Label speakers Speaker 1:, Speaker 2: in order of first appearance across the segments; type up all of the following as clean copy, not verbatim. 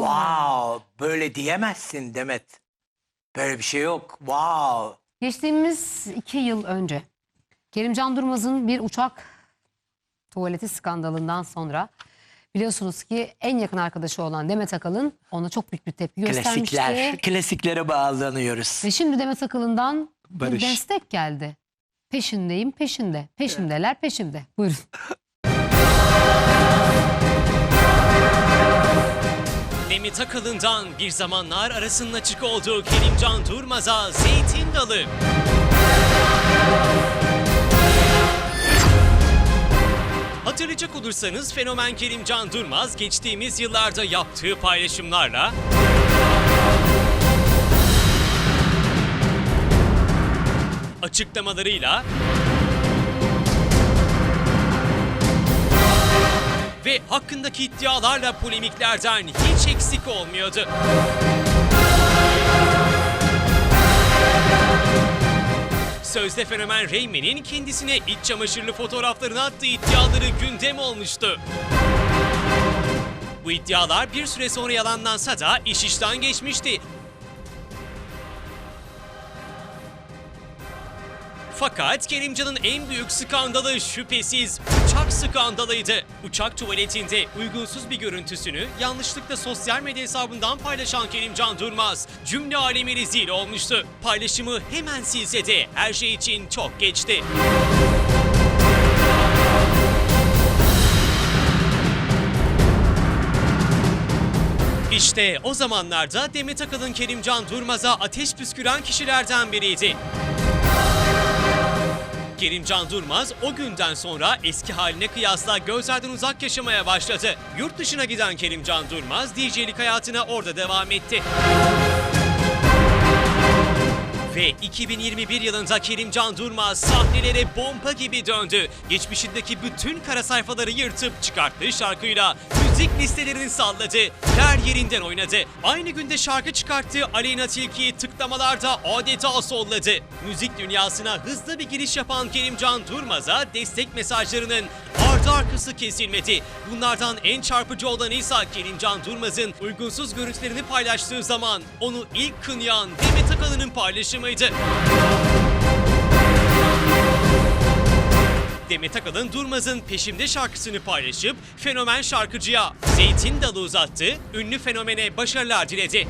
Speaker 1: Wow, böyle diyemezsin Demet. Böyle bir şey yok. Wow.
Speaker 2: Geçtiğimiz 2 yıl önce Kerimcan Durmaz'ın bir uçak tuvaleti skandalından sonra biliyorsunuz ki en yakın arkadaşı olan Demet Akalın ona çok büyük bir tepki göstermişti.
Speaker 1: Klasiklere bağlanıyoruz.
Speaker 2: Ve şimdi Demet Akalın'dan
Speaker 1: Barış.
Speaker 2: bir destek geldi. Peşindeyim, peşinde. Peşimdeler, peşimde. Buyurun.
Speaker 3: Demet Akalın'dan bir zamanlar arasının açık olduğu Kerimcan Durmaz'a zeytin dalı. Hatırlayacak olursanız fenomen Kerimcan Durmaz geçtiğimiz yıllarda yaptığı paylaşımlarla açıklamalarıyla ve hakkındaki iddialarla polemiklerden hiç eksik olmuyordu. Sözde fenomen Reymen'in kendisine iç çamaşırlı fotoğraflarını attığı iddiaları gündem olmuştu. Bu iddialar bir süre sonra yalanlansa da iş işten geçmişti. Fakat Kerimcan'ın en büyük skandalı şüphesiz uçak skandalıydı. Uçak tuvaletinde uygunsuz bir görüntüsünü yanlışlıkla sosyal medya hesabından paylaşan Kerimcan Durmaz cümle alemi rezil olmuştu. Paylaşımı hemen silse de her şey için çok geçti. İşte o zamanlarda Demet Akalın Kerimcan Durmaz'a ateş püsküren kişilerden biriydi. Kerimcan Durmaz o günden sonra eski haline kıyasla gözlerden uzak yaşamaya başladı. Yurt dışına giden Kerimcan Durmaz DJ'lik hayatına orada devam etti. Ve 2021 yılında Kerimcan Durmaz sahnelere bomba gibi döndü. Geçmişindeki bütün kara sayfaları yırtıp çıkarttığı şarkıyla müzik listelerini salladı. Her yerinden oynadı. Aynı günde şarkı çıkarttığı Aleyna Tilki'yi tıklamalarda adeta solladı. Müzik dünyasına hızlı bir giriş yapan Kerimcan Durmaz'a destek mesajlarının ardı arkası kesilmedi. Bunlardan en çarpıcı olanı ise Kerimcan Durmaz'ın uygunsuz görüntülerini paylaştığı zaman onu ilk kınayan Demet Akalın'ın paylaşımıydı. Demet Akalın Durmaz'ın Peşimde şarkısını paylaşıp fenomen şarkıcıya zeytin dalı uzattı, ünlü fenomene başarılar diledi.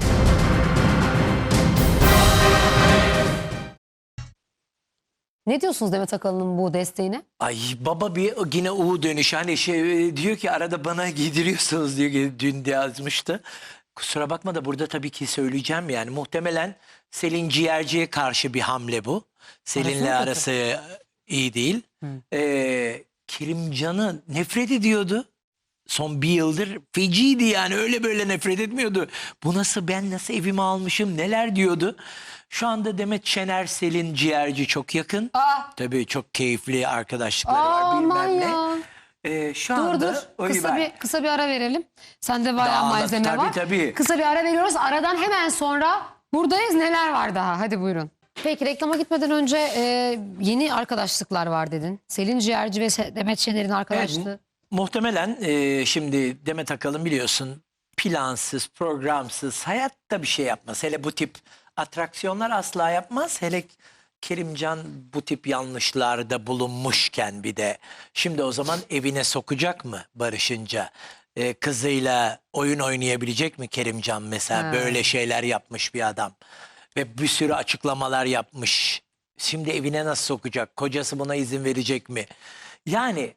Speaker 2: Ne diyorsunuz Demet Akalın'ın bu desteğine?
Speaker 1: Ay baba bir yine U dönüşü. Hani şey diyor ki arada bana giydiriyorsunuz diyor ki dün de yazmıştı. Kusura bakma da burada tabii ki söyleyeceğim yani muhtemelen Selin Ciğerci'ye karşı bir hamle bu. Selin'le arası iyi değil. Kerimcan'ı nefret ediyordu. Son bir yıldır feciydi yani öyle böyle nefret etmiyordu. Bu nasıl ben nasıl evime almışım neler diyordu. Şu anda Demet Şener Selin Ciğerci çok yakın. Tabii çok keyifli arkadaşlıkları var bilmem ne. Şu anda
Speaker 2: Kısa bir ara verelim. Sende bayağı malzeme var.
Speaker 1: Tabii.
Speaker 2: Kısa bir ara veriyoruz. Aradan hemen sonra buradayız. Neler var daha? Hadi buyurun. Peki reklama gitmeden önce yeni arkadaşlıklar var dedin. Selin Ciğerci ve Demet Şener'in arkadaşlığı.
Speaker 1: Evet, muhtemelen şimdi Demet Akalın biliyorsun plansız, programsız hayatta bir şey yapmaz. Hele bu tip atraksiyonlar asla yapmaz. Hele Kerimcan bu tip yanlışlarda bulunmuşken bir de. Şimdi o zaman evine sokacak mı barışınca? Kızıyla oyun oynayabilecek mi Kerimcan mesela? Böyle şeyler yapmış bir adam. Ve bir sürü açıklamalar yapmış. Şimdi evine nasıl sokacak? Kocası buna izin verecek mi? Yani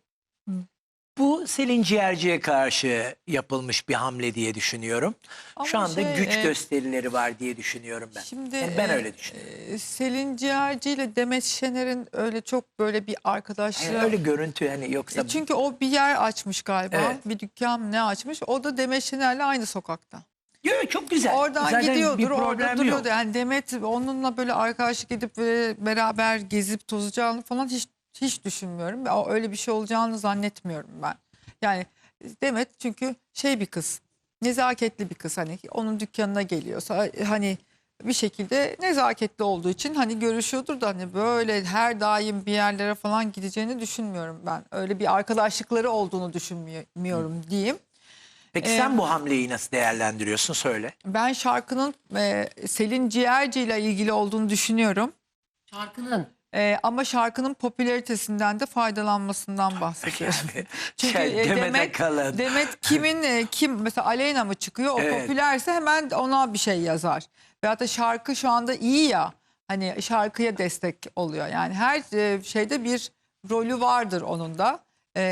Speaker 1: bu Selin Ciğerci'ye karşı yapılmış bir hamle diye düşünüyorum.
Speaker 4: Ama
Speaker 1: şu anda güç gösterileri var diye düşünüyorum ben.
Speaker 4: Şimdi
Speaker 1: Yani ben öyle düşünüyorum.
Speaker 4: Selin Ciğerci ile Demet Şener'in öyle çok böyle bir arkadaşlığı.
Speaker 1: Yani öyle görüntü hani yoksa...
Speaker 4: Çünkü o bir yer açmış galiba.
Speaker 1: Evet.
Speaker 4: Bir dükkan ne açmış. O da Demet Şener'le aynı sokakta.
Speaker 1: Yok çok güzel.
Speaker 4: Oradan
Speaker 1: Zaten
Speaker 4: gidiyordur,
Speaker 1: bir
Speaker 4: orada
Speaker 1: problem
Speaker 4: duruyordu.
Speaker 1: yok.
Speaker 4: Yani Demet onunla böyle arkadaşlık edip beraber gezip tozacağını falan hiç düşünmüyorum. Öyle bir şey olacağını zannetmiyorum ben. Yani Demet çünkü bir kız. Nezaketli bir kız, hani onun dükkanına geliyorsa hani bir şekilde nezaketli olduğu için hani görüşüyordur da hani böyle her daim bir yerlere falan gideceğini düşünmüyorum ben. Öyle bir arkadaşlıkları olduğunu düşünmüyorum diyeyim.
Speaker 1: Peki sen bu hamleyi nasıl değerlendiriyorsun? Söyle.
Speaker 4: Ben şarkının Selin Ciğerci ile ilgili olduğunu düşünüyorum.
Speaker 2: Şarkının.
Speaker 4: Ama şarkının popülaritesinden de faydalanmasından bahsediyorum.
Speaker 1: Yani,
Speaker 4: Çünkü
Speaker 1: Demet Akalın.
Speaker 4: Demet kim mesela Aleyna mı çıkıyor? O
Speaker 1: Evet.
Speaker 4: popülerse hemen ona bir şey yazar. Veyahut da şarkı şu anda iyi ya. Hani şarkıya destek oluyor. Yani her şeyde bir rolü vardır onun da.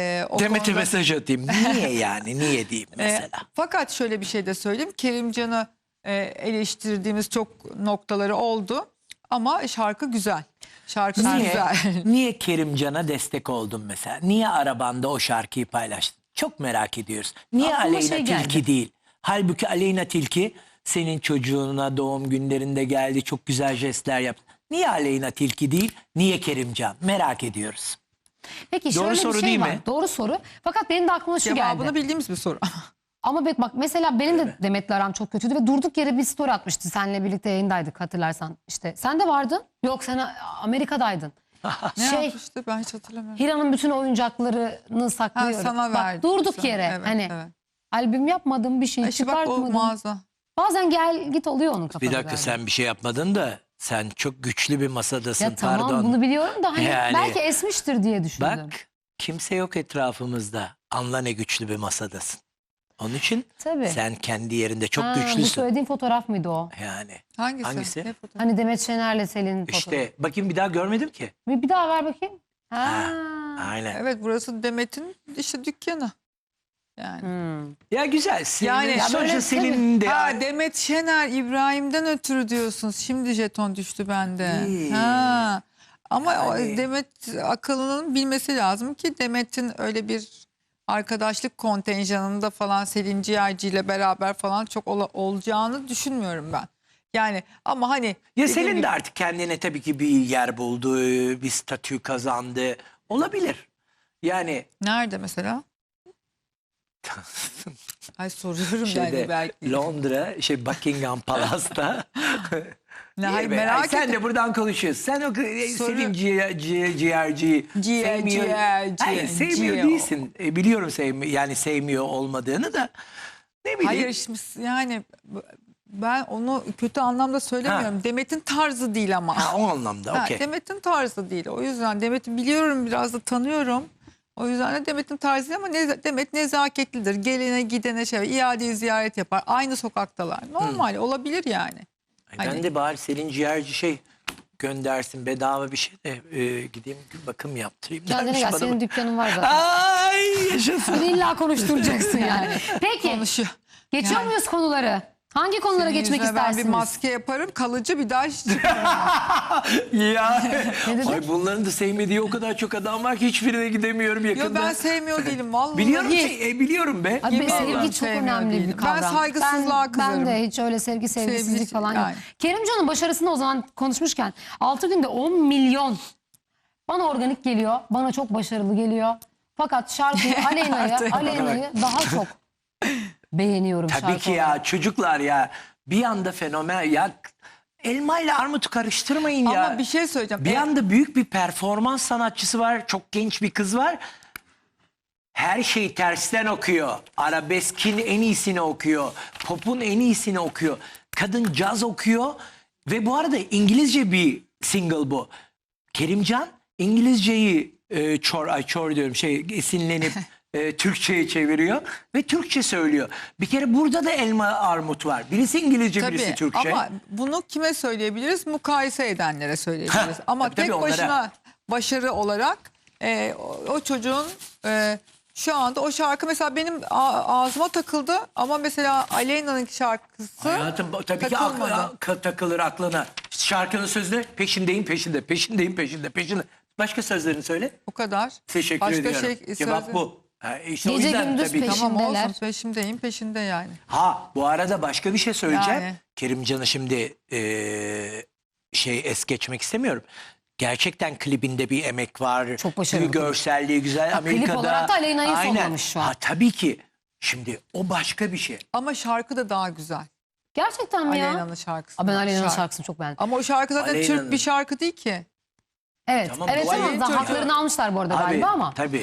Speaker 4: O
Speaker 1: Demet'e
Speaker 4: konuda-
Speaker 1: mesaj atayım. Niye yani? Niye diyeyim mesela?
Speaker 4: Fakat şöyle bir şey de söyleyeyim. Kerimcan'ı eleştirdiğimiz çok noktaları oldu. Ama şarkı güzel. Şarkısı
Speaker 1: Niye?
Speaker 4: güzel.
Speaker 1: Niye Kerimcan'a destek oldun mesela? Niye arabanda o şarkıyı paylaştın? Çok merak ediyoruz. Niye
Speaker 2: Aklıma
Speaker 1: Aleyna
Speaker 2: şey geldi.
Speaker 1: Tilki değil? Halbuki Aleyna Tilki senin çocuğuna doğum günlerinde geldi. Çok güzel jestler yaptı. Niye Aleyna Tilki değil? Niye Kerimcan? Merak ediyoruz.
Speaker 2: Peki
Speaker 1: Doğru
Speaker 2: şöyle
Speaker 1: soru
Speaker 2: bir şey
Speaker 1: değil
Speaker 2: var.
Speaker 1: mi?
Speaker 2: Doğru soru. Fakat benim de aklıma şu
Speaker 4: Cevabını
Speaker 2: geldi.
Speaker 4: bildiğimiz bir soru.
Speaker 2: Ama bak mesela benim de Demet'le aram çok kötüydü ve durduk yere bir story atmıştı. Seninle birlikte yayındaydık hatırlarsan. İşte sen de vardın. Yok sen Amerika'daydın.
Speaker 4: Ne
Speaker 2: şey
Speaker 4: yapmıştı ben hiç hatırlamıyorum.
Speaker 2: Hira'nın bütün oyuncaklarını saklıyorum.
Speaker 4: Ha, sana
Speaker 2: Bak,
Speaker 4: verdi.
Speaker 2: durduk
Speaker 4: Sana-
Speaker 2: yere
Speaker 4: evet,
Speaker 2: hani
Speaker 4: evet.
Speaker 2: albüm yapmadım bir şey
Speaker 4: İşte bak o
Speaker 2: çıkartmadım.
Speaker 4: mağaza.
Speaker 2: Bazen gel git oluyor onun kafada.
Speaker 1: Bir dakika
Speaker 2: galiba.
Speaker 1: sen bir şey yapmadın da sen çok güçlü bir masadasın.
Speaker 2: Ya tamam
Speaker 1: Pardon.
Speaker 2: bunu biliyorum da hani
Speaker 1: Yani-
Speaker 2: belki esmiştir diye düşündüm.
Speaker 1: Bak kimse yok etrafımızda. Anla ne güçlü bir masadasın. Onun için
Speaker 2: Tabii.
Speaker 1: sen kendi yerinde çok
Speaker 2: Ha, Bu
Speaker 1: güçlüsün.
Speaker 2: söylediğin fotoğraf mıydı o?
Speaker 1: Yani
Speaker 4: Hangisi?
Speaker 1: Hangisi?
Speaker 4: Ne fotoğrafı?
Speaker 2: Hani Demet Şener'le Selin'in fotoğrafı.
Speaker 1: işte bakayım bir daha görmedim ki.
Speaker 2: Bir daha ver bakayım. Ha.
Speaker 1: Aynen.
Speaker 4: Evet burası Demet'in işte dükkanı. Yani.
Speaker 2: Hmm.
Speaker 1: Ya güzel. Senin,
Speaker 4: Yani- Ya
Speaker 1: sonuçta
Speaker 2: böyle
Speaker 1: Selin'in de
Speaker 4: Ha Demet Şener İbrahim'den ötürü diyorsunuz. Şimdi jeton düştü bende.
Speaker 1: İyi.
Speaker 4: Ha. Ama
Speaker 1: Yani-
Speaker 4: o Demet Akalın'ın bilmesi lazım ki Demet'in öyle bir arkadaşlık kontenjanında falan Selin Ciğerci ile beraber falan çok olacağını düşünmüyorum ben. Yani ama hani
Speaker 1: ya
Speaker 4: dediğim
Speaker 1: Selin
Speaker 4: gibi-
Speaker 1: de artık kendine tabii ki bir yer buldu, bir statü kazandı. Olabilir. Yani
Speaker 4: nerede mesela? Ay soruyorum
Speaker 1: şeyde
Speaker 4: yani belki.
Speaker 1: Londra, Buckingham Palace'ta.
Speaker 4: Ne,
Speaker 1: İyi
Speaker 4: hayır,
Speaker 1: be.
Speaker 4: merak
Speaker 1: Ay, sen
Speaker 4: ettim.
Speaker 1: de buradan konuşuyorsun. Sen o
Speaker 4: Soru-
Speaker 1: Selin ciğerciyi sevmiyor. Hayır, sevmiyor
Speaker 4: ciğer.
Speaker 1: değilsin. Biliyorum yani sevmiyor olmadığını da. Ne bileyim.
Speaker 4: Hayır şimdi yani ben onu kötü anlamda söylemiyorum. Demet'in tarzı değil ama.
Speaker 1: Ha, o anlamda
Speaker 4: Ha,
Speaker 1: okey.
Speaker 4: Demet'in tarzı değil. O yüzden Demet'i biliyorum biraz da tanıyorum. O yüzden de Demet'in tarzı değil ama Demet nezaketlidir. Gelene gidene iade ziyaret yapar. Aynı sokaktalar. Normal olabilir yani.
Speaker 1: Ben
Speaker 4: Hani-
Speaker 1: de bari Selin ciğerci göndersin bedava bir şey de gideyim bakım yaptırayım.
Speaker 2: Kendine
Speaker 1: dermiş
Speaker 2: gel
Speaker 1: bana.
Speaker 2: senin dükkanın var zaten.
Speaker 1: Ay yaşasın.
Speaker 2: Beni illa konuşturacaksın yani. Peki
Speaker 4: Konuşuyor.
Speaker 2: geçiyor
Speaker 4: Yani-
Speaker 2: muyuz konuları? Hangi konulara
Speaker 4: Senin
Speaker 2: geçmek
Speaker 4: yüzüne ben
Speaker 2: istersiniz?
Speaker 4: bir maske yaparım kalıcı bir daha hiç çıkmam.
Speaker 1: Ya.
Speaker 2: Ne dedin?
Speaker 1: Ay bunların da sevmediği o kadar çok adam var ki hiçbirine gidemiyorum
Speaker 4: Yo
Speaker 1: yakında.
Speaker 4: ben sevmiyor değilim vallahi.
Speaker 1: Biliyorum biliyorum be.
Speaker 2: Abi
Speaker 4: Yemin
Speaker 2: sevgi
Speaker 4: ederim
Speaker 2: çok
Speaker 4: sevmiyor
Speaker 2: önemli
Speaker 4: değilim.
Speaker 2: bir kavram.
Speaker 4: Ben saygısızlığa
Speaker 2: Ben
Speaker 4: kızarım.
Speaker 2: de hiç öyle sevgisizlik
Speaker 4: Sevgi-
Speaker 2: falan yok.
Speaker 4: yani.
Speaker 2: Kerimcan'ın başarısını o zaman konuşmuşken 6 günde 10 milyon bana organik geliyor. Bana çok başarılı geliyor. Fakat şarkıyı Aleyna'yı daha çok beğeniyorum
Speaker 1: Tabii
Speaker 2: şarkı
Speaker 1: ki
Speaker 2: olarak.
Speaker 1: ya çocuklar ya bir anda fenomen ya elma ile armutu karıştırmayın ya.
Speaker 4: Ama bir şey söyleyeceğim.
Speaker 1: Bir anda büyük bir performans sanatçısı var. Çok genç bir kız var. Her şeyi tersten okuyor. Arabeskin en iyisini okuyor. Pop'un en iyisini okuyor. Kadın caz okuyor. Ve bu arada İngilizce bir single bu. Kerimcan İngilizceyi çor diyorum esinlenip Türkçe'ye çeviriyor. Ve Türkçe söylüyor. Bir kere burada da elma armut var. Birisi İngilizce birisi
Speaker 4: Tabii
Speaker 1: Türkçe.
Speaker 4: ama bunu kime söyleyebiliriz? Mukayese edenlere söyleyebiliriz. Ama
Speaker 1: tabii,
Speaker 4: tek
Speaker 1: onlara.
Speaker 4: başına başarı olarak o çocuğun şu anda o şarkı mesela benim ağzıma takıldı ama mesela Aleyna'nın şarkısı
Speaker 1: Hayatım tabii ki
Speaker 4: takılmadı.
Speaker 1: takılır aklına. Şarkının sözüne peşindeyim. Başka sözlerini söyle.
Speaker 4: o kadar.
Speaker 1: Teşekkür
Speaker 4: Başka
Speaker 1: ediyorum. Cevap
Speaker 4: sözü-
Speaker 1: bu. Ha, işte o
Speaker 2: Gece
Speaker 1: yüzden
Speaker 2: gündüz
Speaker 1: tabii.
Speaker 2: peşin.
Speaker 4: Tamam
Speaker 2: Peşindeler.
Speaker 4: olsun peşinde yani.
Speaker 1: Ha bu arada başka bir şey söyleyeceğim.
Speaker 4: Yani.
Speaker 1: Kerimcan'ı şimdi es geçmek istemiyorum. Gerçekten klibinde bir emek var.
Speaker 2: Çok başarılı.
Speaker 1: Görselliği güzel.
Speaker 2: Ha, klip
Speaker 1: Amerika'da.
Speaker 2: olarak da Aleyna'yı
Speaker 1: Aynen.
Speaker 2: sonlamış şu an.
Speaker 1: Ha, tabii ki. Şimdi o başka bir şey.
Speaker 4: Ama şarkı da daha güzel.
Speaker 2: Gerçekten mi ya?
Speaker 4: Aleyna'nın şarkısı.
Speaker 2: Aa, ben Aleyna'nın şarkısını çok beğendim.
Speaker 4: Ama o şarkı zaten
Speaker 1: Aleyna'nın.
Speaker 4: Türk bir şarkı değil ki.
Speaker 2: Evet,
Speaker 1: Tamam,
Speaker 2: evet
Speaker 1: duayı
Speaker 2: ama
Speaker 4: çocuğu.
Speaker 2: haklarını almışlar bu arada galiba ama.
Speaker 1: Tabii.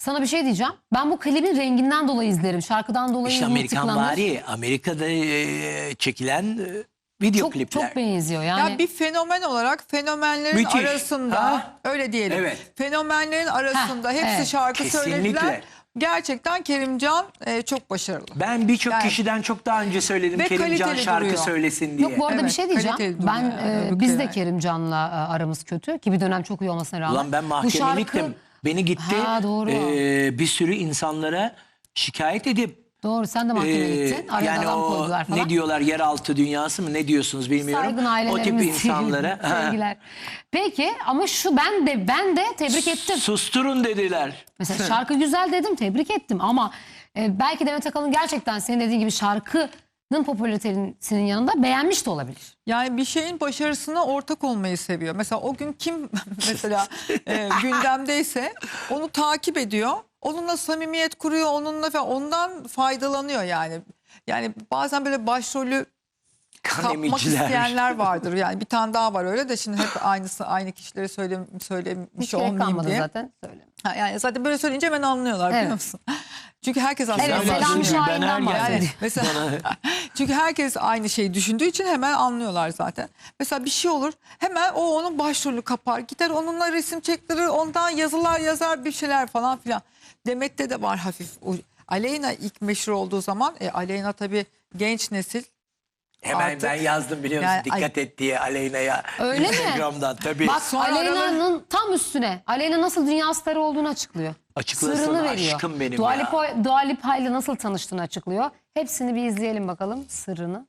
Speaker 2: Sana bir şey diyeceğim. Ben bu klibin renginden dolayı izlerim. Şarkıdan dolayı
Speaker 1: İşte
Speaker 2: bu
Speaker 1: Amerikan
Speaker 2: tıklanır.
Speaker 1: vari, Amerika'da çekilen video
Speaker 2: Çok,
Speaker 1: klipler.
Speaker 2: çok benziyor yani.
Speaker 4: Ya bir fenomen olarak fenomenlerin
Speaker 1: Müthiş.
Speaker 4: arasında
Speaker 1: Ha?
Speaker 4: öyle diyelim.
Speaker 1: Evet.
Speaker 4: Fenomenlerin arasında hepsi
Speaker 2: evet.
Speaker 4: şarkı
Speaker 1: Kesinlikle.
Speaker 4: söylediler. Gerçekten Kerimcan çok başarılı.
Speaker 1: Ben birçok
Speaker 4: Yani-
Speaker 1: kişiden çok daha önce söyledim
Speaker 4: Ve
Speaker 1: Kerimcan
Speaker 4: kaliteli
Speaker 1: şarkı
Speaker 4: duruyor.
Speaker 1: söylesin diye.
Speaker 2: Yok bu arada
Speaker 4: Evet,
Speaker 2: bir şey diyeceğim.
Speaker 4: kaliteli duruyor
Speaker 2: Ben
Speaker 4: yani,
Speaker 2: biz de
Speaker 4: yani.
Speaker 2: Kerimcan'la aramız kötü ki bir dönem çok iyi olmasına rağmen.
Speaker 1: Ulan ben
Speaker 2: Bu
Speaker 1: mahkemeye gittim. Beni gitti
Speaker 2: Ha, doğru.
Speaker 1: bir sürü insanlara şikayet edip
Speaker 2: Doğru, sen de mahkemeye gittin. Araya
Speaker 1: yani
Speaker 2: adam
Speaker 1: o
Speaker 2: koydular falan.
Speaker 1: ne diyorlar, yeraltı dünyası mı ne diyorsunuz bilmiyorum.
Speaker 2: Saygın
Speaker 1: O tip
Speaker 2: ailelerimiz.
Speaker 1: insanlara
Speaker 2: Sevgiler. Peki ama şu ben de tebrik ettim.
Speaker 1: susturun dediler.
Speaker 2: Mesela şarkı güzel dedim, tebrik ettim ama belki Demet Akalın gerçekten senin dediğin gibi şarkının popülaritesinin yanında beğenmiş de olabilir.
Speaker 4: Yani bir şeyin başarısına ortak olmayı seviyor. Mesela o gün kim mesela gündemdeyse onu takip ediyor. Onunla samimiyet kuruyor, onunla falan, ondan faydalanıyor yani. Yani bazen böyle başrolü
Speaker 1: Kan
Speaker 4: kapmak
Speaker 1: emiciler.
Speaker 4: isteyenler vardır. Yani bir tane daha var öyle de şimdi hep aynı kişileri söylemiş
Speaker 2: Hiç gerek
Speaker 4: olmayayım
Speaker 2: kalmadı
Speaker 4: diye.
Speaker 2: zaten. Söyle.
Speaker 4: Ha, yani zaten böyle söyleyince hemen anlıyorlar
Speaker 2: Evet.
Speaker 4: biliyor musun? Çünkü herkes aslında
Speaker 2: Evet,
Speaker 1: Ben
Speaker 2: Selami
Speaker 1: bahsedeyim, ben
Speaker 2: Şahin'den
Speaker 1: her
Speaker 2: bahsediyor.
Speaker 1: yerde.
Speaker 4: yani mesela çünkü herkes aynı şeyi düşündüğü için hemen anlıyorlar zaten. Mesela bir şey olur hemen o onun başrolü kapar. Gider onunla resim çektirir, ondan yazılar yazar bir şeyler falan filan. Demet'te de var hafif. Aleyna ilk meşhur olduğu zaman Aleyna tabii genç nesil.
Speaker 1: Hemen
Speaker 4: Artık-
Speaker 1: ben yazdım biliyor musun?
Speaker 4: Yani-
Speaker 1: Dikkat et diye Aleyna'ya.
Speaker 2: Öyle mi?
Speaker 1: Instagram'dan tabii.
Speaker 2: Bak
Speaker 4: Sonra
Speaker 2: Aleyna'nın tam üstüne. Aleyna nasıl dünya starı olduğunu açıklıyor.
Speaker 1: Açıklasın
Speaker 2: Sırrını veriyor.
Speaker 1: aşkım benim
Speaker 2: Dua
Speaker 1: ya.
Speaker 2: Lipa ile nasıl tanıştığını açıklıyor. Hepsini bir izleyelim bakalım sırrını.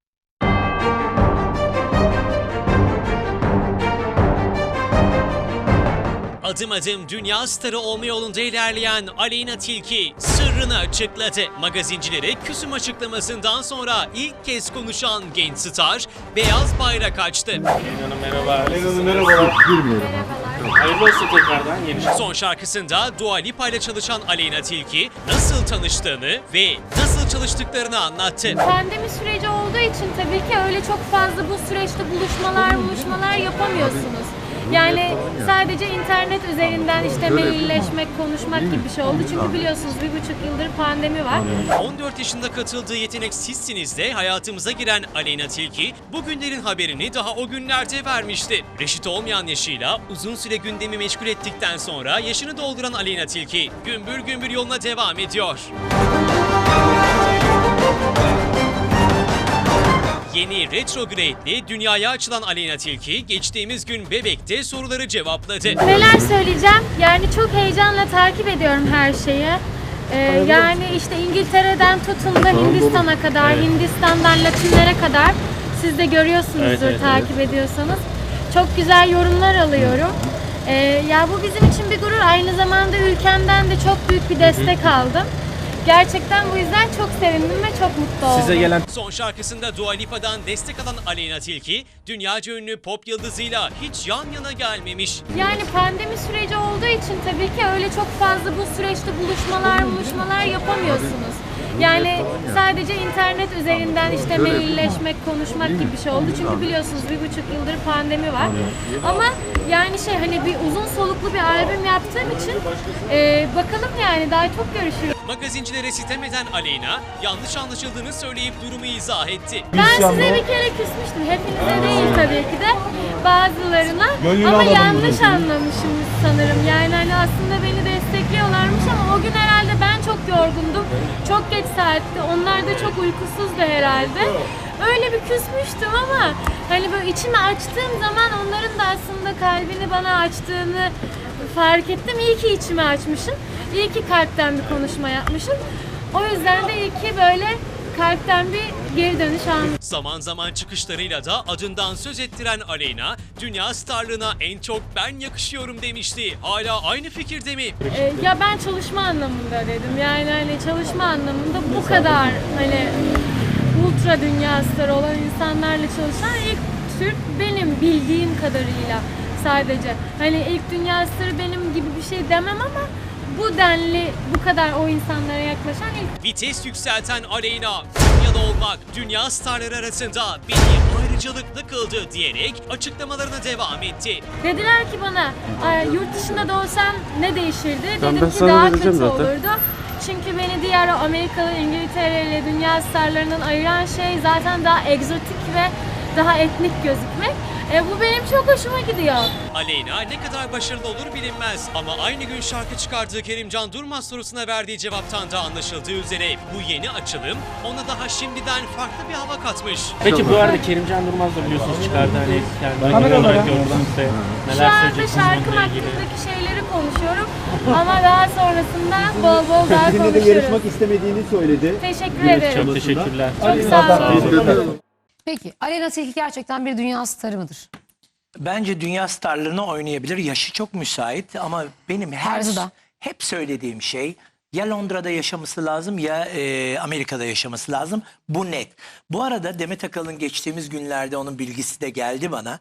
Speaker 3: Adım adım dünya starı olma yolunda ilerleyen Aleyna Tilki sırrını açıkladı. Magazincilere küsüm açıklamasından sonra ilk kez konuşan genç star beyaz bayrak açtı.
Speaker 5: Hanım merhaba. Hanım merhabalar. Hayırlı olsun tekrardan yeni
Speaker 3: Son şarkısında Dua Lipa ile çalışan Aleyna Tilki nasıl tanıştığını ve nasıl çalıştıklarını anlattı.
Speaker 6: Pandemi süreci olduğu için tabii ki öyle çok fazla bu süreçte buluşmalar yapamıyorsunuz. Yani sadece internet üzerinden işte mailleşmek, konuşmak gibi bir şey oldu. Çünkü biliyorsunuz 1,5 yıldır pandemi var.
Speaker 3: 14 yaşında katıldığı Yetenek Sizsiniz'de hayatımıza giren Aleyna Tilki bugünlerin haberini daha o günlerde vermişti. Reşit olmayan yaşıyla uzun süre gündemi meşgul ettikten sonra yaşını dolduran Aleyna Tilki gümbür gümbür yoluna devam ediyor. Yeni Retrograde'li dünyaya açılan Aleyna Tilki geçtiğimiz gün Bebek'te soruları cevapladı.
Speaker 6: Neler söyleyeceğim? Yani çok heyecanla takip ediyorum her şeyi. Yani işte İngiltere'den tutun da Hindistan'a kadar, Hindistan'dan Latinlere kadar siz de görüyorsunuzdur
Speaker 5: Evet.
Speaker 6: takip ediyorsanız. Çok güzel yorumlar alıyorum. Ya bu bizim için bir gurur. Aynı zamanda ülkemden de çok büyük bir destek aldım. Gerçekten bu yüzden çok sevindim ve çok mutlu oldum.
Speaker 5: Size gelen
Speaker 3: Son şarkısında Dua Lipa'dan destek alan Aleyna Tilki, dünyaca ünlü pop yıldızıyla hiç yan yana gelmemiş.
Speaker 6: Yani pandemi süreci olduğu için tabii ki öyle çok fazla bu süreçte buluşmalar yapamıyorsunuz. Yani sadece internet üzerinden işte mailleşmek, konuşmak gibi bir şey oldu. Çünkü biliyorsunuz 1,5 yıldır pandemi var. Ama yani hani bir uzun soluklu bir albüm yaptığım için bakalım yani daha çok görüşürüz.
Speaker 3: Magazincilere sitem eden Aleyna, yanlış anlaşıldığını söyleyip durumu izah etti.
Speaker 6: Ben size bir kere küsmüştüm. Hepinize değil tabii ki de. Bazılarına.
Speaker 5: Gönlünü
Speaker 6: Ama
Speaker 5: alalım
Speaker 6: yanlış
Speaker 5: diyorsun.
Speaker 6: anlamışım sanırım. Yani hani aslında beni destekliyorlarmış ama o gün herhalde ben çok yorgundum. Çok geç saatti. Onlar da çok uykusuzdu herhalde. Öyle bir küsmüştüm ama hani böyle içimi açtığım zaman onların da aslında kalbini bana açtığını fark ettim. İyi ki içimi açmışım. İyi ki kalpten bir konuşma yapmışım. O yüzden de iyi ki böyle kalpten bir geri dönüş almışım.
Speaker 3: Zaman zaman çıkışlarıyla da adından söz ettiren Aleyna, dünya starlığına en çok ben yakışıyorum demişti. Hala aynı fikirde mi?
Speaker 6: Ya ben çalışma anlamında dedim. Yani hani çalışma anlamında bu kadar hani ultra dünya starı olan insanlarla çalışan ilk Türk benim bildiğim kadarıyla sadece. Hani ilk dünya starı benim gibi bir şey demem ama bu denli bu kadar o insanlara yaklaşan ilk.
Speaker 3: Vites yükselten Aleyna, Konya'da olmak dünya starları arasında beni ayrıcalıklı kıldı diyerek açıklamalarına devam etti.
Speaker 6: Dediler ki bana yurt dışında da olsam ne değişirdi?
Speaker 5: Tamam,
Speaker 6: Dedim
Speaker 5: ben
Speaker 6: ki
Speaker 5: sana
Speaker 6: daha
Speaker 5: vereceğim
Speaker 6: kötü
Speaker 5: zaten.
Speaker 6: olurdu. Çünkü beni diğer Amerikalı, İngiltere ile dünya starlarından ayıran şey zaten daha egzotik ve daha etnik gözükmek. Bu benim çok hoşuma gidiyor.
Speaker 3: Aleyna ne kadar başarılı olur bilinmez ama aynı gün şarkı çıkardığı Kerimcan Durmaz sorusuna verdiği cevaptan da anlaşıldığı üzere bu yeni açılım ona daha şimdiden farklı bir hava katmış.
Speaker 5: Peki bu arada Kerimcan Durmaz da biliyorsunuz çıkardı hani kendi olarak gördüğünüzde
Speaker 6: Şu
Speaker 5: neler
Speaker 6: anda
Speaker 5: söyleyeceksiniz
Speaker 6: şarkım
Speaker 5: bununla ilgili?
Speaker 6: hakkındaki şeyleri konuşuyorum ama daha sonrasında bol bol daha
Speaker 7: Sizinle de yarışmak
Speaker 6: konuşuruz.
Speaker 7: istemediğini söyledi.
Speaker 6: Teşekkür ederim.
Speaker 5: Çok teşekkürler.
Speaker 6: Çok sağ olun.
Speaker 2: Peki Aleyna Tilki gerçekten bir dünya starı mıdır?
Speaker 1: Bence dünya starlarını oynayabilir. Yaşı çok müsait ama benim
Speaker 2: Tarzı da.
Speaker 1: hep söylediğim şey ya Londra'da yaşaması lazım ya Amerika'da yaşaması lazım. Bu net. Bu arada Demet Akalın geçtiğimiz günlerde onun bilgisi de geldi bana.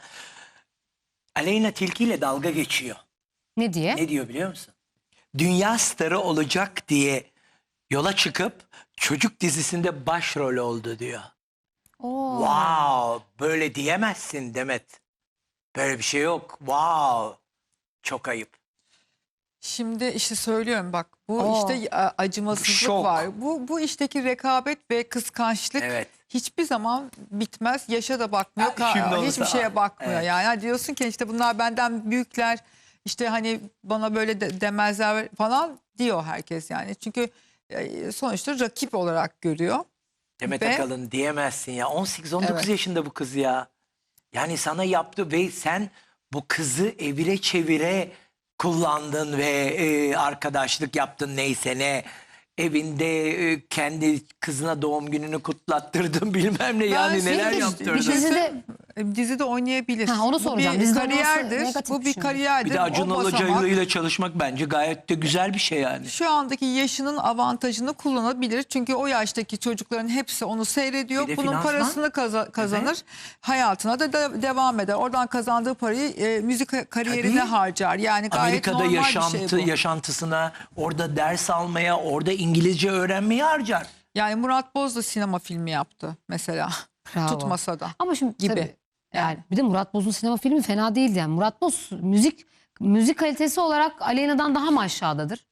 Speaker 1: Aleyna Tilki ile dalga geçiyor.
Speaker 2: Ne diye?
Speaker 1: Ne diyor biliyor musun? Dünya starı olacak diye yola çıkıp çocuk dizisinde başrol oldu diyor.
Speaker 2: Oo.
Speaker 1: Wow, böyle diyemezsin Demet. Böyle bir şey yok. Wow. Çok ayıp.
Speaker 4: Şimdi işte söylüyorum bak bu
Speaker 2: Oo.
Speaker 4: işte acımasızlık
Speaker 1: Şok.
Speaker 4: var. Bu işteki rekabet ve kıskançlık
Speaker 1: Evet.
Speaker 4: hiçbir zaman bitmez. Yaşa da bakmıyor.
Speaker 1: Ha, şimdi olursa-
Speaker 4: Hiçbir şeye bakmıyor.
Speaker 1: Evet.
Speaker 4: Yani diyorsun ki işte bunlar benden büyükler. İşte hani bana böyle demezler falan diyor herkes yani. Çünkü sonuçta rakip olarak görüyor.
Speaker 1: Demet
Speaker 4: Ve-
Speaker 1: Akalın diyemezsin ya. 18-19
Speaker 4: Evet.
Speaker 1: yaşında bu kız ya. Yani sana yaptı ve sen bu kızı evire çevire kullandın ve arkadaşlık yaptın neyse ne. Evinde kendi kızına doğum gününü kutlattırdın bilmem ne yani
Speaker 4: Ben
Speaker 1: neler
Speaker 4: şimdi
Speaker 1: yaptırdın.
Speaker 4: bir şey
Speaker 2: Dizide
Speaker 4: dizide oynayabilir.
Speaker 2: Ha, onu soracağım.
Speaker 4: Bu bir
Speaker 2: Dizide olması
Speaker 4: kariyerdir.
Speaker 2: negatif
Speaker 4: Bu
Speaker 2: bir
Speaker 4: bir
Speaker 2: şey mi?
Speaker 4: kariyerdir.
Speaker 1: Bir de Acun
Speaker 4: O basamak-
Speaker 1: Ilıcalı ile çalışmak bence gayet de güzel bir şey yani.
Speaker 4: Şu andaki yaşının avantajını kullanabilir. Çünkü o yaştaki çocukların hepsi onu seyrediyor.
Speaker 1: Bir de
Speaker 4: Bunun
Speaker 1: finansman.
Speaker 4: parasını kazanır. Hayatına da devam eder. Oradan kazandığı parayı müzik kariyerine
Speaker 1: Tabii.
Speaker 4: harcar. Yani gayet
Speaker 1: Amerika'da
Speaker 4: normal bir şey bu.
Speaker 1: yaşantısına, orada ders almaya, orada İngilizce öğrenmeye harcar.
Speaker 4: Yani Murat Boz da sinema filmi yaptı mesela.
Speaker 2: Bravo.
Speaker 4: Tutmasa da.
Speaker 2: Ama şimdi
Speaker 4: Gibi.
Speaker 2: tabii, yani bir de Murat Boz'un sinema filmi fena değildi yani. Murat Boz müzik kalitesi olarak Aleyna'dan daha mı aşağıdadır?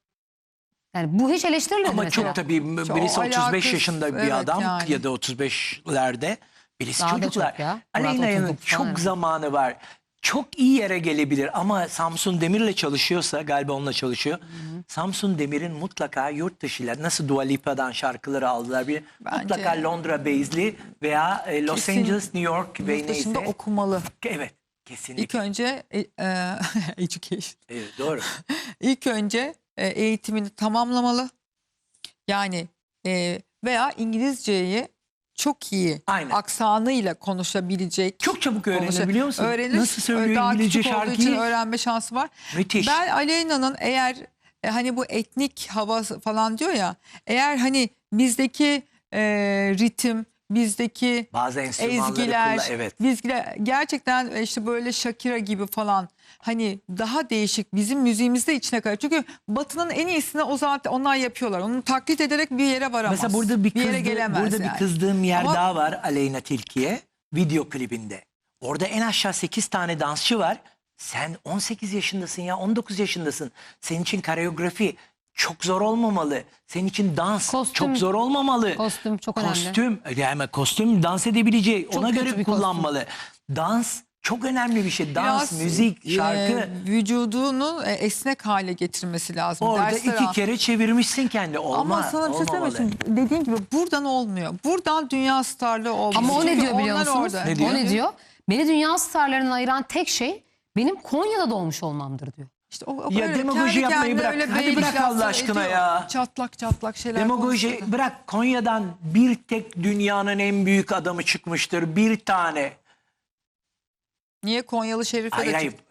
Speaker 2: Yani bu hiç eleştirilmedi
Speaker 1: Ama
Speaker 2: mesela.
Speaker 1: çok tabii
Speaker 4: Çok
Speaker 1: birisi 35
Speaker 4: alakası-
Speaker 1: yaşında bir
Speaker 4: evet
Speaker 1: adam
Speaker 4: yani.
Speaker 1: ya da 35'lerde birisi
Speaker 2: Daha da
Speaker 1: çocuklar.
Speaker 2: çok ya. Murat
Speaker 1: Aleyna'nın
Speaker 2: 39 falan
Speaker 1: çok
Speaker 2: herhalde.
Speaker 1: zamanı var. Çok iyi yere gelebilir ama Samsun Demir'le çalışıyorsa galiba onunla çalışıyor. Samsun Demir'in mutlaka yurt dışıyla nasıl Dua Lipa'dan şarkıları aldılar bir
Speaker 4: Bence-
Speaker 1: mutlaka Londra base'li veya Los
Speaker 4: Kesin
Speaker 1: Angeles, New York ve
Speaker 4: Yurt dışında
Speaker 1: neyse.
Speaker 4: okumalı.
Speaker 1: Evet
Speaker 4: İlk
Speaker 1: kesinlikle.
Speaker 4: önce education.
Speaker 1: Evet, doğru.
Speaker 4: İlk önce eğitimini tamamlamalı. Yani veya İngilizceyi çok iyi
Speaker 1: Aynen.
Speaker 4: aksanıyla konuşabilecek.
Speaker 1: Çok çabuk öğrenir biliyor musun?
Speaker 4: Öğrenir.
Speaker 1: Nasıl söylüyor
Speaker 4: Daha
Speaker 1: İngilizce
Speaker 4: küçük olduğu için
Speaker 1: şarkıyı?
Speaker 4: öğrenme şansı var.
Speaker 1: Müthiş.
Speaker 4: Ben Aleyna'nın eğer hani bu etnik hava falan diyor ya. Eğer hani bizdeki ritim, bizdeki
Speaker 1: Bazı enstrümanları
Speaker 4: ezgiler,
Speaker 1: evet.
Speaker 4: bizgiler gerçekten işte böyle Shakira gibi falan hani daha değişik bizim müziğimizde içine kayıyor. Çünkü Batı'nın en iyisini o zaten onlar yapıyorlar. Onu taklit ederek bir yere varamaz.
Speaker 1: Mesela burada bir,
Speaker 4: yere gelemez
Speaker 1: burada
Speaker 4: yani.
Speaker 1: bir kızdığım yer
Speaker 4: Ama-
Speaker 1: daha var Aleyna Tilki'ye video klibinde. Orada en aşağı 8 tane dansçı var. Sen 18 yaşındasın ya 19 yaşındasın. Senin için koreografi çok zor olmamalı. Senin için dans
Speaker 2: Kostüm-
Speaker 1: çok zor olmamalı.
Speaker 2: Kostüm çok önemli.
Speaker 1: Yani kostüm dans edebilecek
Speaker 2: Çok
Speaker 1: ona
Speaker 2: kötü
Speaker 1: göre
Speaker 2: bir kostüm.
Speaker 1: kullanmalı. Dans çok önemli bir şey. Dans,
Speaker 4: Biraz,
Speaker 1: müzik, şarkı.
Speaker 4: vücudunu esnek hale getirmesi lazım.
Speaker 1: Orada
Speaker 4: Dersler
Speaker 1: 2
Speaker 4: al.
Speaker 1: kere çevirmişsin kendi. Olmaz.
Speaker 4: Ama sana bir şey söyleyeyim mi?
Speaker 1: olmamalı.
Speaker 4: Şimdi dediğin gibi buradan olmuyor. Buradan dünya starlığı olmuyor.
Speaker 2: Ama o ne
Speaker 4: Çünkü
Speaker 2: diyor biliyor
Speaker 4: onlar
Speaker 2: musunuz?
Speaker 4: orada.
Speaker 1: Ne diyor?
Speaker 2: O ne diyor? Beni dünya starlarından ayıran tek şey benim Konya'da doğmuş olmamdır diyor.
Speaker 4: İşte o
Speaker 1: Ya
Speaker 4: öyle
Speaker 1: demagoji
Speaker 4: kendi
Speaker 1: yapmayı
Speaker 4: kendine
Speaker 1: bırak.
Speaker 4: öyle
Speaker 1: Hadi
Speaker 4: beylik
Speaker 1: bırak Allah
Speaker 4: laflar
Speaker 1: aşkına
Speaker 4: ediyor.
Speaker 1: ya.
Speaker 4: Çatlak çatlak şeyler
Speaker 1: Demagoji
Speaker 4: konuşuyor.
Speaker 1: bırak Konya'dan bir tek dünyanın en büyük adamı çıkmıştır. Bir tane.
Speaker 4: Niye Konyalı Şerife
Speaker 1: Hayır
Speaker 4: de
Speaker 1: hayır.
Speaker 4: çıktı?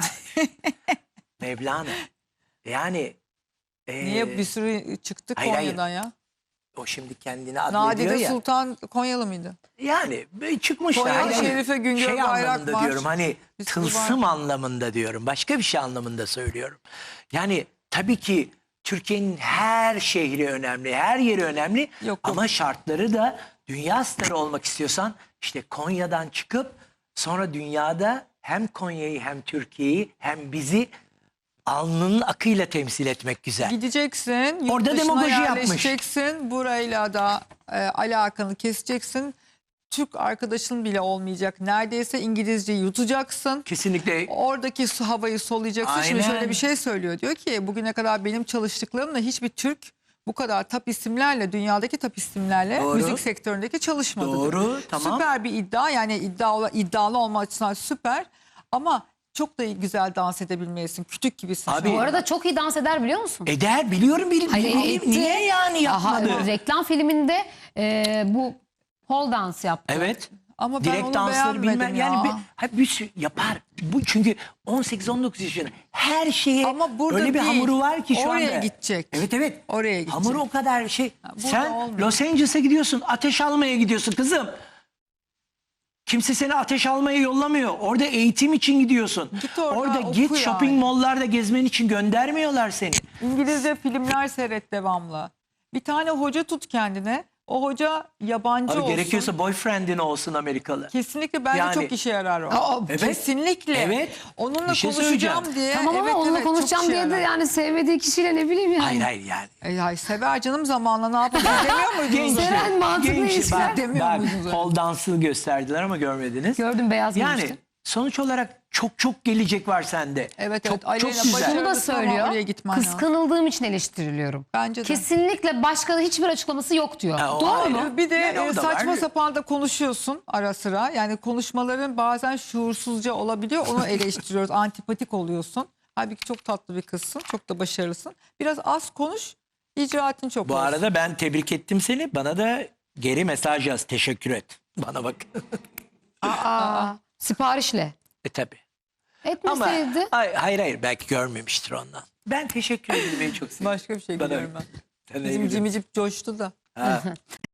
Speaker 1: Mevlana. Yani.
Speaker 4: Niye bir sürü çıktı
Speaker 1: hayır, hayır.
Speaker 4: Konya'dan ya?
Speaker 1: O şimdi kendini adlediyor
Speaker 4: Nadide
Speaker 1: ya.
Speaker 4: Sultan Konyalı mıydı?
Speaker 1: Yani çıkmışlar.
Speaker 4: Konyalı
Speaker 1: Hayır, hayır.
Speaker 4: Şerife Güngör
Speaker 1: Şey
Speaker 4: Bayrak
Speaker 1: anlamında
Speaker 4: var.
Speaker 1: diyorum hani
Speaker 4: Bir sürü
Speaker 1: tılsım anlamında diyorum. Başka bir şey anlamında söylüyorum. Yani tabii ki Türkiye'nin her şehri önemli, her yeri önemli.
Speaker 4: Yok.
Speaker 1: Ama şartları da dünya starı olmak istiyorsan işte Konya'dan çıkıp sonra dünyada hem Konya'yı hem Türkiye'yi hem bizi alnının akıyla temsil etmek güzel.
Speaker 4: Gideceksin, yurt
Speaker 1: Orada
Speaker 4: dışına
Speaker 1: demagoji yapmış.
Speaker 4: yerleşeceksin, burayla da alakanı keseceksin. Türk arkadaşın bile olmayacak. Neredeyse İngilizceyi yutacaksın.
Speaker 1: Kesinlikle.
Speaker 4: Oradaki havayı soluyacaksın. Şimdi
Speaker 1: Aynen.
Speaker 4: şöyle bir şey söylüyor. Diyor ki bugüne kadar benim çalıştıklarımla hiçbir Türk bu kadar top isimlerle, dünyadaki top isimlerle
Speaker 1: Doğru.
Speaker 4: müzik sektöründeki çalışmadı. diyor.
Speaker 1: Doğru, tamam.
Speaker 4: Süper bir iddia, yani iddialı olma açısından süper ama çok da güzel dans edebilmelisin. Kütük gibisin.
Speaker 1: Abi,
Speaker 2: Bu arada çok iyi dans eder biliyor musun?
Speaker 1: Eder biliyorum
Speaker 2: Hayır, etti.
Speaker 1: niye yani
Speaker 2: Aha,
Speaker 1: yapmadı?
Speaker 2: reklam filminde bu pole dance yaptı.
Speaker 1: Evet.
Speaker 4: Ama ben
Speaker 1: Direkt
Speaker 4: onu
Speaker 1: dansları
Speaker 4: beğenmedim
Speaker 1: bilmem
Speaker 4: ya.
Speaker 1: yani bir sürü yapar. Bu çünkü 18-19 yaşında her şeye
Speaker 4: Ama burada
Speaker 1: öyle bir
Speaker 4: değil.
Speaker 1: hamuru var ki şu
Speaker 4: Oraya
Speaker 1: anda.
Speaker 4: gidecek.
Speaker 1: Evet.
Speaker 4: Oraya gidecek.
Speaker 1: Hamuru o kadar şey.
Speaker 4: burada
Speaker 1: Sen
Speaker 4: olmuyor.
Speaker 1: Los Angeles'a gidiyorsun, ateş almaya gidiyorsun kızım. Kimse seni ateş almaya yollamıyor. Orada eğitim için gidiyorsun.
Speaker 4: Git orada oku
Speaker 1: git
Speaker 4: yani.
Speaker 1: shopping malllarda gezmen için göndermiyorlar seni.
Speaker 4: İngilizce filmler seyret devamlı. Bir tane hoca tut kendine. O hoca yabancı
Speaker 1: Abi
Speaker 4: olsun.
Speaker 1: gerekiyorsa boyfriendin olsun Amerikalı.
Speaker 4: Kesinlikle bence
Speaker 1: Yani-
Speaker 4: çok işe yarar o.
Speaker 2: Aa,
Speaker 1: evet.
Speaker 4: Kesinlikle.
Speaker 1: Evet.
Speaker 4: Onunla
Speaker 1: Bir şey
Speaker 4: konuşacağım
Speaker 1: söyleyeceğim.
Speaker 4: diye.
Speaker 2: Tamam ama
Speaker 4: evet,
Speaker 2: onunla
Speaker 4: evet, çok
Speaker 2: konuşacağım
Speaker 4: işe
Speaker 2: diye de
Speaker 4: yarar.
Speaker 2: yani sevmediği kişiyle ne bileyim yani.
Speaker 1: Hayır yani.
Speaker 4: Ay sever canım, zamanla ne yapacağız demiyor muydunuz?
Speaker 1: Gençler,
Speaker 2: Seren mantıklı ilişkiler
Speaker 4: demiyor
Speaker 1: bak,
Speaker 4: muydunuz?
Speaker 1: pole dansını gösterdiler ama görmediniz.
Speaker 2: Gördüm, beyaz
Speaker 1: Yani
Speaker 2: giymişti.
Speaker 1: sonuç olarak çok gelecek var sende.
Speaker 4: Evet,
Speaker 1: çok,
Speaker 4: evet. Aleyna
Speaker 1: çok güzel.
Speaker 4: başarılı.
Speaker 2: Şunu da
Speaker 4: Ama
Speaker 2: söylüyor.
Speaker 4: oraya gitmen lazım.
Speaker 2: Kıskanıldığım için eleştiriliyorum.
Speaker 4: Bence de.
Speaker 2: Kesinlikle başka hiçbir açıklaması yok diyor.
Speaker 1: Ha, o
Speaker 2: Doğru
Speaker 1: ayrı.
Speaker 2: mu?
Speaker 4: Bir de
Speaker 1: Yani o da
Speaker 4: saçma
Speaker 1: var.
Speaker 4: sapan da konuşuyorsun ara sıra. Yani konuşmaların bazen şuursuzca olabiliyor. Onu eleştiriyoruz. Antipatik oluyorsun. Halbuki çok tatlı bir kızsın. Çok da başarılısın. Biraz az konuş. İcraatın çok
Speaker 1: Bu
Speaker 4: olsun.
Speaker 1: arada ben tebrik ettim seni. Bana da geri mesaj yaz. Teşekkür et. Bana bak.
Speaker 2: Aa, siparişle.
Speaker 1: Tabii. Ama
Speaker 2: Etmeseydi.
Speaker 1: hayır belki görmemiştir ondan. Ben teşekkür ederim. Beni çok seviyorum.
Speaker 4: Başka bir şey
Speaker 1: Bana-
Speaker 4: biliyorum ben.
Speaker 1: Ben
Speaker 4: Bizim
Speaker 1: ne
Speaker 4: cimicip coştu da.
Speaker 1: bileyim. Ha.